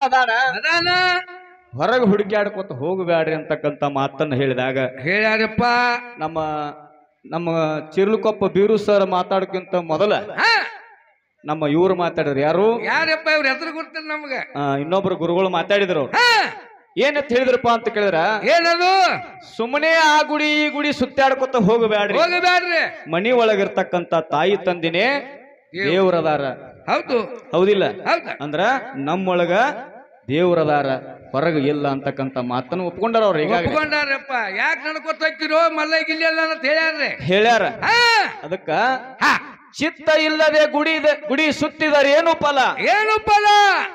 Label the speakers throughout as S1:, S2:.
S1: ಅದಾನ
S2: ಅದಾನ
S1: ಹೊರಗೆ ಹುಡುಕ್ಯಾಡ್ಕೊತ ಹೋಗಬೇಡ್ರಿ ಅಂತಕ್ಕಂತ ಮಾತನ್ನ ಹೇಳಿದಾಗ
S2: ಹೇಳ್ಯಾರಪ್ಪ.
S1: ನಮ್ಮ ನಮ್ಮ ಚಿರ್ಲುಕೊಪ್ಪ ಬೀರು ಸರ್ ಮಾತಾಡಕ್ಕಿಂತ ಮೊದಲ ನಮ್ಮ ಇವ್ರು ಮಾತಾಡಿದ್ರು. ಯಾರು
S2: ಯಾರಪ್ಪ ಇವ್ರ ಹೆಸರು ಗೊತ್ತಿಲ್ಲ ನಮ್ಗ.
S1: ಇನ್ನೊಬ್ರು ಗುರುಗಳು ಮಾತಾಡಿದ್ರು. ಏನಂತ ಹೇಳಿದ್ರಪ್ಪ ಅಂತ ಕೇಳಿದ್ರ,
S2: ಏನದು?
S1: ಸುಮ್ಮನೆ ಆ ಗುಡಿ ಈ ಗುಡಿ ಸುತ್ತಾಡ್ಕೊತ ಹೋಗಬೇಡ್ರಿ,
S2: ಹೋಗಬೇಡ್ರಿ,
S1: ಮನಿ ಒಳಗಿರ್ತಕ್ಕಂತ ತಾಯಿ ತಂದಿನೇ ದೇವ್ರದಾರ.
S2: ಹೌದು
S1: ಹೌದಿಲ್ಲ?
S2: ಹೌದ.
S1: ಅಂದ್ರ ನಮ್ಮೊಳಗ ದೇವ್ರದಾರ, ಹೊರಗ ಇಲ್ಲ ಅಂತಕ್ಕಂತ ಮಾತನ್ನು ಒಪ್ಕೊಂಡಾರ ಅವ್ರು. ಈಗ
S2: ಒಪ್ಕೊಂಡಾರಪ್ಪ. ಯಾಕೆ ನಡ್ಕೊತ ಹೋಗ್ತಿರೋ ಮಲ್ಲ ಗಿಲ್ಲ ಅಂತ ಹೇಳ್ಯಾರ್ರಿ.
S1: ಹೇಳ್ಯಾರ. ಅದಕ್ಕ ಚಿತ್ತ ಇಲ್ಲದೆ ಗುಡಿ ಸುತ್ತಿದರೆ ಏನು ಫಲ?
S2: ಏನು ಫಲ?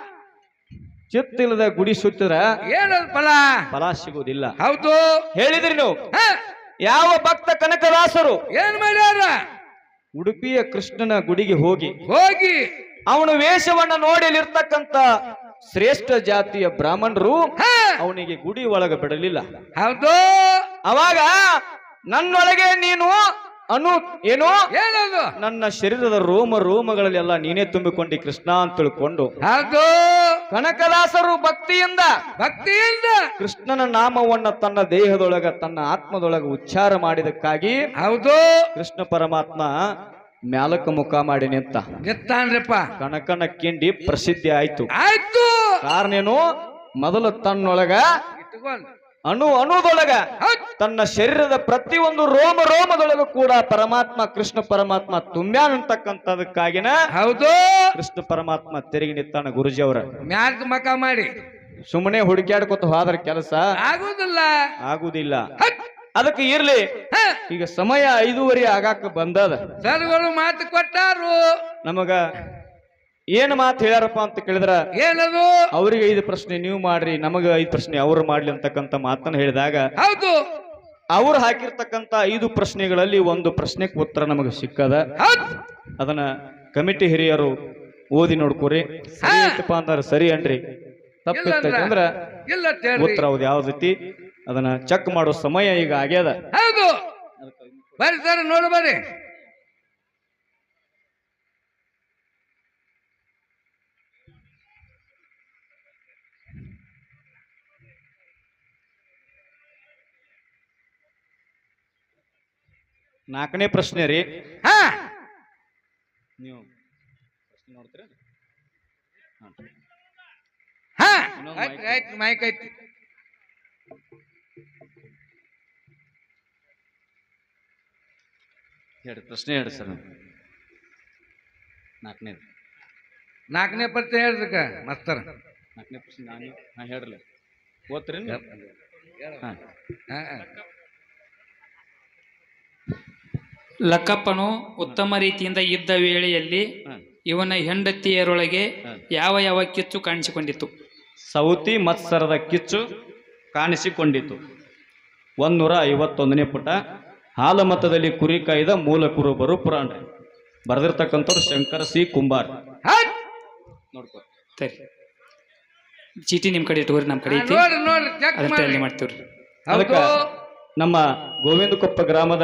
S1: ಚಿತ್ತ ಇಲ್ಲದೆ ಗುಡಿ ಸುತ್ತಿದ್ರ
S2: ಏನು ಫಲ?
S1: ಫಲ ಸಿಗುವುದಿಲ್ಲ.
S2: ಹೌದು
S1: ಹೇಳಿದ್ರಿ ನೀವು. ಯಾವ ಭಕ್ತ ಕನಕದಾಸರು
S2: ಏನ್ ಮಾಡ್ಯಾರ?
S1: ಉಡುಪಿಯ ಕೃಷ್ಣನ ಗುಡಿಗೆ ಹೋಗಿ ಅವನು ವೇಷವನ್ನ ನೋಡಿ ಅಲ್ಲಿರ್ತಕ್ಕಂತ ಶ್ರೇಷ್ಠ ಜಾತಿಯ ಬ್ರಾಹ್ಮಣರು ಅವನಿಗೆ ಗುಡಿ ಒಳಗೆ ಬಿಡಲಿಲ್ಲ.
S2: ಹೌದು.
S1: ಅವಾಗ ನನ್ನೊಳಗೆ ನೀನು ಏನು
S2: ಏನದು?
S1: ನನ್ನ ಶರೀರದ ರೋಮಗಳಲ್ಲಿ ಎಲ್ಲ ನೀನೇ ತುಂಬಿಕೊಂಡಿ ಕೃಷ್ಣ ಅಂತ ತಿಳ್ಕೊಂಡು
S2: ಹೌದು
S1: ಕನಕದಾಸರು ಭಕ್ತಿಯಿಂದ ಕೃಷ್ಣನ ನಾಮವನ್ನ ತನ್ನ ದೇಹದೊಳಗ ತನ್ನ ಆತ್ಮದೊಳಗ ಉಚ್ಚಾರ ಮಾಡಿದಕ್ಕಾಗಿ
S2: ಹೌದು
S1: ಕೃಷ್ಣ ಪರಮಾತ್ಮ ಮ್ಯಾಲಕ ಮುಖ ಮಾಡಿ
S2: ನಿಂತಾನ್ರಪ್ಪ.
S1: ಕನಕನ ಕಿಂಡಿ ಪ್ರಸಿದ್ಧಿ ಆಯ್ತು. ಕಾರಣ ಏನು? ಮೊದಲು ತನ್ನೊಳಗ ಅಣುದೊಳಗ ತನ್ನ ಶರೀರದ ಪ್ರತಿಯೊಂದು ರೋಮದೊಳಗ ಕೂಡ ಪರಮಾತ್ಮ ಕೃಷ್ಣ ಪರಮಾತ್ಮ ತುಂಬ್ಯಾನ್ ಅಂತಕ್ಕಂಥದಕ್ಕಾಗಿನ
S2: ಹೌದು
S1: ಕೃಷ್ಣ ಪರಮಾತ್ಮ ತಿರುಗಿ ನಿಂತಾನ ಗುರುಜಿ ಅವರ
S2: ಮ್ಯಾಲ್ಕ ಮಕ ಮಾಡಿ.
S1: ಸುಮ್ಮನೆ ಹುಡುಕ್ಯಾಡ್ಕೊತ ಹೋದ್ರ ಕೆಲಸ ಆಗುದಿಲ್ಲ. ಅದಕ್ಕೆ ಇರ್ಲಿ, ಈಗ ಸಮಯ 5:30 ಆಗಾಕ ಬಂದದ.
S2: ಸರ್ಗಳು ಮಾತು ಕೊಟ್ಟಾರು.
S1: ನಮಗ ಏನ್ ಮಾತು ಹೇಳ್ಯಾರಪ್ಪ ಅಂತ ಕೇಳಿದ್ರ,
S2: ಏನದು?
S1: ಅವ್ರಿಗೆ 5 ಪ್ರಶ್ನೆ ನೀವು ಮಾಡ್ರಿ, ನಮಗ 5 ಪ್ರಶ್ನೆ ಅವ್ರು ಮಾಡ್ಲಿ ಅಂತಕ್ಕಂತ ಮಾತನ್ನ ಹೇಳಿದಾಗ
S2: ಹೌದು
S1: ಅವ್ರು ಹಾಕಿರ್ತಕ್ಕಂತ 5 ಪ್ರಶ್ನೆಗಳಲ್ಲಿ ಒಂದು ಪ್ರಶ್ನೆಗೆ ಉತ್ತರ ನಮಗೆ ಸಿಕ್ಕದ. ಅದನ್ನ ಕಮಿಟಿ ಹಿರಿಯರು ಓದಿ ನೋಡ್ಕೋರಿ. ಸರಿ ಐತಪ್ಪ ಅಂದ್ರ ಸರಿ ಅನ್ರಿ, ತಪ್ಪಿತ್ತಂದ್ರ ಉತ್ತರ ಹೌದು ಯಾವ ರೀತಿ ಅದನ್ನ ಚೆಕ್ ಮಾಡೋ ಸಮಯ ಈಗ ಆಗ್ಯದ.
S2: ಹೌದು ಬರ್ರಿ ಸರ್, ನೋಡು ಬರ್ರಿ.
S1: ನಾಲ್ಕನೇ ಪ್ರಶ್ನೆ ರೀ. ನೀವು ಪ್ರಶ್ನೆ ನೋಡ್ತೀರ?
S2: ಮೈಕ್ ಐತಿ.
S1: ಹೇಳಿ ಪ್ರಶ್ನೆ ಹೇಳಿ ಸರ್.
S2: ನಾಲ್ಕನೇ ಪ್ರಶ್ನೆ ಹೇಳ್ದಕ್ಕ ಮಸ್ತರ.
S1: 4ನೇ ಪ್ರಶ್ನೆ ನಾನು ಹೇಳ್ರಲ್ಲ, ಓದ್ತೀರಿ?
S3: ಲಕ್ಕಪ್ಪನು ಉತ್ತಮ ರೀತಿಯಿಂದ ಇದ್ದ ವೇಳೆಯಲ್ಲಿ ಇವನ ಹೆಂಡತಿಯರೊಳಗೆ ಯಾವ ಯಾವ ಕಿಚ್ಚು ಕಾಣಿಸಿಕೊಂಡಿತು?
S1: ಸೌತಿ ಮತ್ಸರದ ಕಿಚ್ಚು ಕಾಣಿಸಿಕೊಂಡಿತು. 151ನೇ ಪುಟ. ಹಾಲಮತದಲ್ಲಿ ಕುರಿ ಕಾಯ್ದ ಮೂಲ ಕುರುಬರು ಪುರಾಣ. ಬರೆದಿರ್ತಕ್ಕಂಥವ್ರು ಶಂಕರ ಸಿ ಕುಂಬಾರ್. ನೋಡ್ಕೊ
S3: ಸರಿ, ಚೀಟಿ ನಿಮ್ ಕಡೆ ಇಟ್ಟುವರಿ, ನಮ್ಮ ಕಡೆ ಐತಿ, ಅದನ್ನ ಮಾಡ್ತೀವ್ರಿ.
S1: ಅದಕ್ಕ ನಮ್ಮ ಗೋವಿಂದಕೊಪ್ಪ ಗ್ರಾಮದ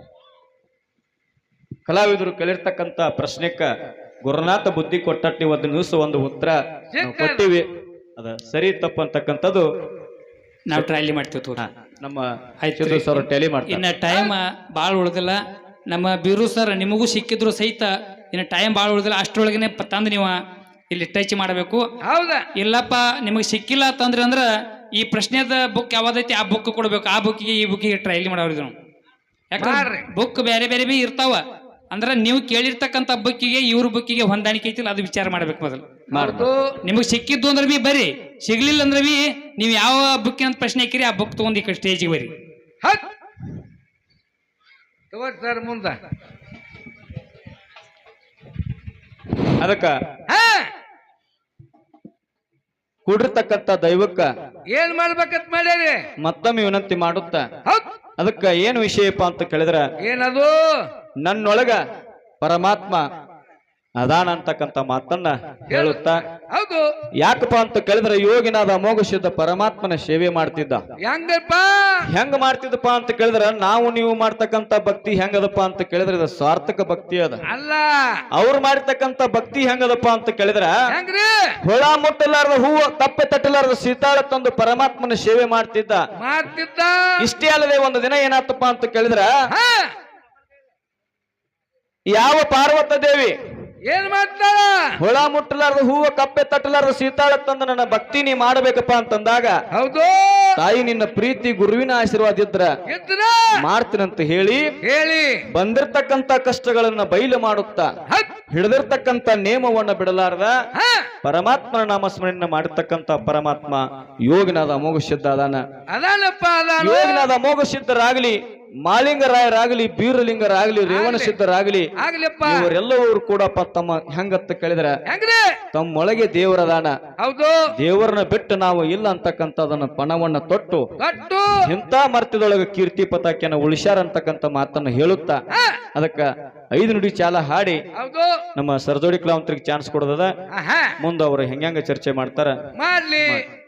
S1: ಕಲಾವಿದರು ಕೇಳಿರ್ತಕ್ಕಂಥ ಪ್ರಶ್ನೆಕ್ಕ ಗುರುನಾಥ ಬುದ್ಧಿ ಕೊಟ್ಟಟ್ಟಿ ಒಂದು ಉತ್ತರ ಕೊಟ್ಟಿವಿ. ಅದ ಸರಿ ತಪ್ಪು ಅಂತಕ್ಕಂಥದ್ದು
S3: ನಾವು ಟ್ರೈಲಿ ಮಾಡ್ತೀವಿ.
S1: ನಮ್ಮ ಸರ್ ಟ್ಯಾಲಿ ಮಾಡ್ತೀವಿ.
S3: ಇನ್ನ ಟೈಮ್ ಭಾಳ ಉಳ್ದಿಲ್ಲ. ನಮ್ಮ ಬೀರು ಸರ್ ನಿಮಗೂ ಸಿಕ್ಕಿದ್ರು ಸಹಿತ ಇನ್ನು ಟೈಮ್ ಭಾಳ ಉಳ್ದಿಲ್ಲ. ಅಷ್ಟರೊಳಗನೆ ತಂದು ನೀವು ಇಲ್ಲಿ ಟಚ್ ಮಾಡಬೇಕು.
S2: ಹೌದಾ?
S3: ಇಲ್ಲಪ್ಪ ನಿಮಗೆ ಸಿಕ್ಕಿಲ್ಲ ಅಂತಂದ್ರೆ ಅಂದ್ರೆ ಈ ಪ್ರಶ್ನೆದ ಬುಕ್ ಯಾವ್ದೈತಿ ಆ ಬುಕ್ ಕೊಡ್ಬೇಕು. ಆ ಬುಕ್ಕಿಗೆ ಈ ಬುಕ್ಕಿಗೆ ಟ್ರೈಲಿ ಮಾಡೋರಿದ್ರು. ಯಾಕಂದ್ರೆ ಬುಕ್ ಬೇರೆ ಬೇರೆ ಬಿ ಇರ್ತಾವ. ಅಂದ್ರೆ ನೀವು ಕೇಳಿರ್ತಕ್ಕಂಥ ಬುಕ್ಕಿಗೆ ಇವ್ರ ಬುಕ್ಕಿಗೆ ಹೊಂದಾಣಿಕೆ ಐತಿಲ್ಲ, ಅದು ವಿಚಾರ ಮಾಡ್ಬೇಕು ಮೊದಲು. ನಿಮಗೆ ಸಿಕ್ಕಿದ್ದು ಅಂದ್ರೆ ಬಿ ಬರ್ರಿ, ಸಿಗ್ಲಿಲ್ಲ ಅಂದ್ರೆ ಬಿ ನೀವು ಯಾವ ಬುಕ್ಕಿನ ಪ್ರಶ್ನೆ ಹಾಕಿರಿ ಆ ಬುಕ್ ತಗೊಂಡು ಈ ಕಡೆ ಸ್ಟೇಜಿಗೆ ಬರ್ರಿ.
S2: ಸರ್ ಮುಂದ
S1: ಅದಕ್ಕ ಕೂಡಿರ್ತಕ್ಕಂಥ ದೈವಕ್ಕ
S2: ಏನ್ ಮಾಡ್ಬೇಕಂತ ಮಾಡ್ಯಾರಿ
S1: ಮತ್ತೊಮ್ಮೆ ವಿನಂತಿ ಮಾಡುತ್ತ. ಅದಕ್ಕ ಏನ್ ವಿಷಯಪ್ಪ ಅಂತ ಕೇಳಿದ್ರ,
S2: ಏನದು?
S1: ನನ್ನೊಳಗ ಪರಮಾತ್ಮ ಅದಾನ ಅಂತಕ್ಕಂಥ ಮಾತನ್ನ ಹೇಳುತ್ತಾ
S2: ಹೌದು.
S1: ಯಾಕಪ್ಪ ಅಂತ ಕೇಳಿದ್ರೆ ಯೋಗಿನಾದ ಅಮೋಘ ಸಿದ್ಧ ಪರಮಾತ್ಮನ ಸೇವೆ ಮಾಡ್ತಿದ್ದ.
S2: ಹೆಂಗಪ್ಪ
S1: ಹೆಂಗ ಮಾಡ್ತಿದ್ದಪ್ಪ ಅಂತ ಕೇಳಿದ್ರ ನಾವು ನೀವು ಮಾಡ್ತಕ್ಕಂಥ ಭಕ್ತಿ ಹೆಂಗದಪ್ಪ ಅಂತ ಕೇಳಿದ್ರೆ ಇದು ಸಾರ್ಥಕ ಭಕ್ತಿ ಅದ.
S2: ಅಲ್ಲ
S1: ಅವ್ರು ಮಾಡ್ತಕ್ಕಂಥ ಭಕ್ತಿ ಹೆಂಗದಪ್ಪ ಅಂತ ಕೇಳಿದ್ರ
S2: ಹೆಂಗ್ರಿ
S1: ಹೊಳ ಮುಟ್ಟಲಾರದ ಹೂವು ತಪ್ಪೆ ತಟ್ಟಲಾರದ ಸೀತಾಳ ತಂದು ಪರಮಾತ್ಮನ ಸೇವೆ ಮಾಡ್ತಿದ್ದ.
S2: ಮಾಡ್ತಿದ್ದ.
S1: ಇಷ್ಟೇ ಅಲ್ಲದೆ ಒಂದು ದಿನ ಏನಾತಪ್ಪ ಅಂತ ಕೇಳಿದ್ರ
S2: ಹಾ,
S1: ಯಾವ ಪಾರ್ವತ ದೇವಿ
S2: ಏನ್ ಮಾಡ್ತಾಳ?
S1: ಹೊಳ ಮುಟ್ಟಲಾರದ ಹೂವು ಕಪ್ಪೆ ತಟ್ಟಲಾರದ ಸೀತಾಳ ತಂದು ನನ್ನ ಭಕ್ತಿ ನೀ ಮಾಡಬೇಕಪ್ಪ ಅಂತಂದಾಗ
S2: ಹೌದು.
S1: ತಾಯಿ ನಿನ್ನ ಪ್ರೀತಿ ಗುರುವಿನ ಆಶೀರ್ವಾದ ಇದ್ರ
S2: ಇದ್ರ
S1: ಮಾಡ್ತೀನಂತ ಹೇಳಿ
S2: ಹೇಳಿ
S1: ಬಂದಿರ್ತಕ್ಕಂತ ಕಷ್ಟಗಳನ್ನ ಬಯಲು ಮಾಡುತ್ತಾ
S2: ಹತ್.
S1: ಹಿಡಿದಿರ್ತಕ್ಕಂತ ನೇಮವನ್ನ ಬಿಡಲಾರ್ದ
S2: ಹಾ,
S1: ಪರಮಾತ್ಮನ ನಾಮಸ್ಮರಣೆ ಮಾಡಿರ್ತಕ್ಕಂತ ಪರಮಾತ್ಮ ಯೋಗಿನಾದ ಅಮೋಘ ಸಿದ್ಧ ಅದಾನ.
S2: ಅದಾನಪ್ಪ ಅದಾನ.
S1: ಯೋಗಿನಾದ ಅಮೋಘ ಸಿದ್ಧರಾಗಲಿ, ಮಾಲಿಂಗರಾಯರಾಗಲಿ, ಬೀರಲಿಂಗರಾಗಲಿ, ರೇವಣ ಸಿದ್ಧರಾಗಲಿ,
S2: ಆಗ್ಲಿಪ್ಪ.
S1: ಇವರೆಲ್ಲವರು ಕೂಡಪ್ಪ ತಮ್ಮ ಹೆಂಗತ್ತ ಕೇಳಿದ್ರ
S2: ಹೆಂಗ್ರಿ?
S1: ತಮ್ಮೊಳಗೆ ದೇವರದಾನ.
S2: ಹೌದು.
S1: ದೇವರನ್ನ ಬಿಟ್ಟು ನಾವು ಇಲ್ಲ ಅಂತಕ್ಕಂಥದನ್ನ ಪಣವನ್ನ ತೊಟ್ಟು
S2: ಕಟ್ಟು.
S1: ಇಂಥ ಮರ್ತ್ಯದೊಳಗೆ ಕೀರ್ತಿ ಪತಾಕೆನ ಉಳಿಸ್ಯಾರ ಅಂತಕ್ಕಂಥ ಮಾತನ್ನ ಹೇಳುತ್ತಾ
S2: ಹಾ,
S1: ಅದಕ್ಕ 5 ನುಡಿ ಚಾಲ ಹಾಡಿ
S2: ಹೌದು.
S1: ನಮ್ಮ ಸರ್ಜೋಡಿ ಕಲಾವಂತರಿಗೆ ಚಾನ್ಸ್ ಕೊಡೋದದ.
S2: ಆಹಾ,
S1: ಮುಂದೆ ಅವರು ಹೆಂಗ ಚರ್ಚೆ ಮಾಡ್ತಾರ
S2: ಮಾಡ್ಲಿ.